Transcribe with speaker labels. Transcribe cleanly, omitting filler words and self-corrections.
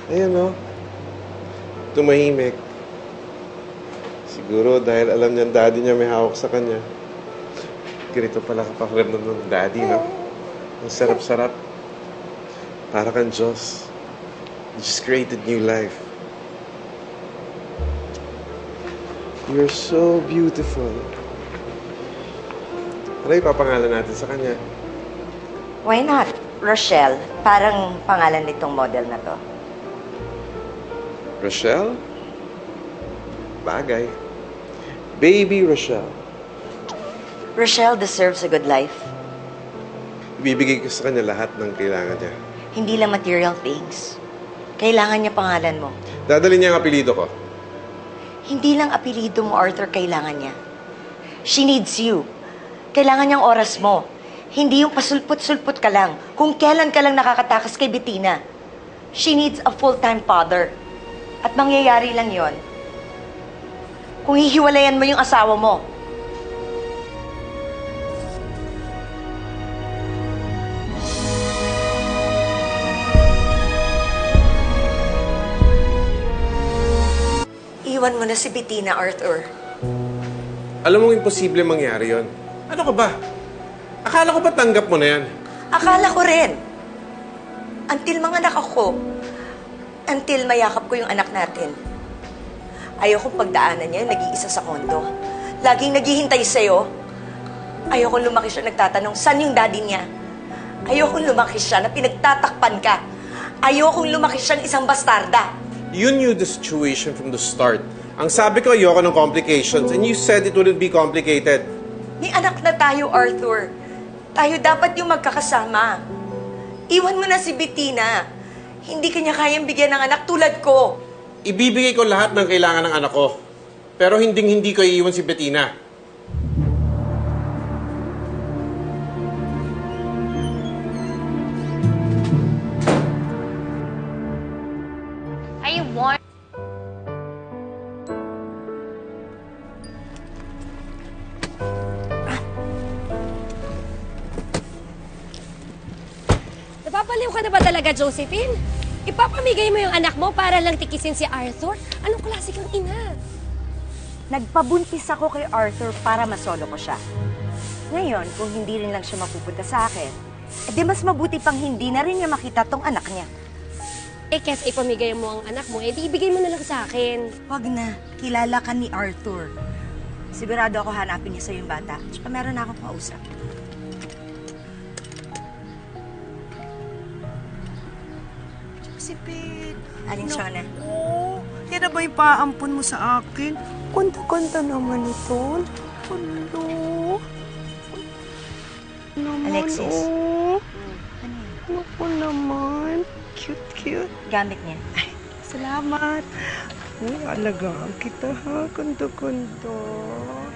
Speaker 1: Ayan, no? Tumahimik. Siguro dahil alam niya daddy niya may hawak sa kanya. Ganito pala kapakiramdam ng daddy, no? Ang sarap-sarap. Para kang Diyos. You just created new life. You're so beautiful. Ano ipapangalan natin sa kanya?
Speaker 2: Why not? Rochelle. Parang pangalan nitong model na to.
Speaker 1: Rochelle? Bagay. Baby Rochelle.
Speaker 2: Rochelle deserves a good life.
Speaker 1: Ibibigay ko sa kanya lahat ng kailangan niya.
Speaker 2: Hindi lang material things. Kailangan niya pangalan mo.
Speaker 1: Dadalhin niya ang apelido ko.
Speaker 2: Hindi lang apelido mo, Arthur, kailangan niya. She needs you. Kailangan niyang oras mo. Hindi yung pasulput-sulput ka lang. Kung kailan ka lang nakakatakas kay Bettina. She needs a full-time father. At mangyayari lang yon kung hihiwalayan mo yung asawa mo. Iwan mo na si Bettina, Arthur.
Speaker 1: Alam mong imposible mangyari yon. Ano ka ba? Akala ko ba tanggap mo na yan?
Speaker 2: Akala ko rin. Until manganak ako. Until mayakap ko yung anak natin. Ayokong pagdaanan niya yung nag-iisa sa kondo. Laging naghihintay sa'yo. Ayokong lumaki siya nagtatanong, saan yung daddy niya? Ayokong lumaki siya na pinagtatakpan ka. Ayokong lumaki siyang isang bastarda.
Speaker 1: You knew the situation from the start. Ang sabi ko, ayoko ng complications, and you said it wouldn't be complicated.
Speaker 2: May anak na tayo, Arthur. Tayo dapat yung magkakasama. Iwan mo na si Bettina. Hindi kanya kayang bigyan ng anak tulad ko.
Speaker 1: Ibibigay ko lahat ng kailangan ng anak ko. Pero hindi ko iiwan si Bettina.
Speaker 3: I want...
Speaker 4: Napapaliw ka na ba talaga, Josephine? Ipapamigay mo yung anak mo para lang tikisin si Arthur? Anong klase kang ina?
Speaker 2: Nagpabuntis ako kay Arthur para masolo ko siya. Ngayon, kung hindi rin lang siya mapupunta sa akin, edi mas mabuti pang hindi na rin niya makita tong anak niya.
Speaker 4: Eh, kes ipamigay mo ang anak mo, edi ibigay mo na lang sa akin.
Speaker 2: Wag na. Kilala ka ni Arthur. Sigurado ako hanapin niya sa yung bata. Tsaka meron na akong kausap.
Speaker 5: Josephine.
Speaker 2: Aling Shona?
Speaker 5: Oo. Yan na ba yung paampun mo sa akin? Kanta-kanta naman ito. Hello.
Speaker 2: Alexis.
Speaker 5: Oh.
Speaker 2: Ano yun?
Speaker 5: Naku naman. Cute.
Speaker 2: Gamit niya.
Speaker 5: Ay, salamat. Uy, alagaan kita ha. Kundo-kundo.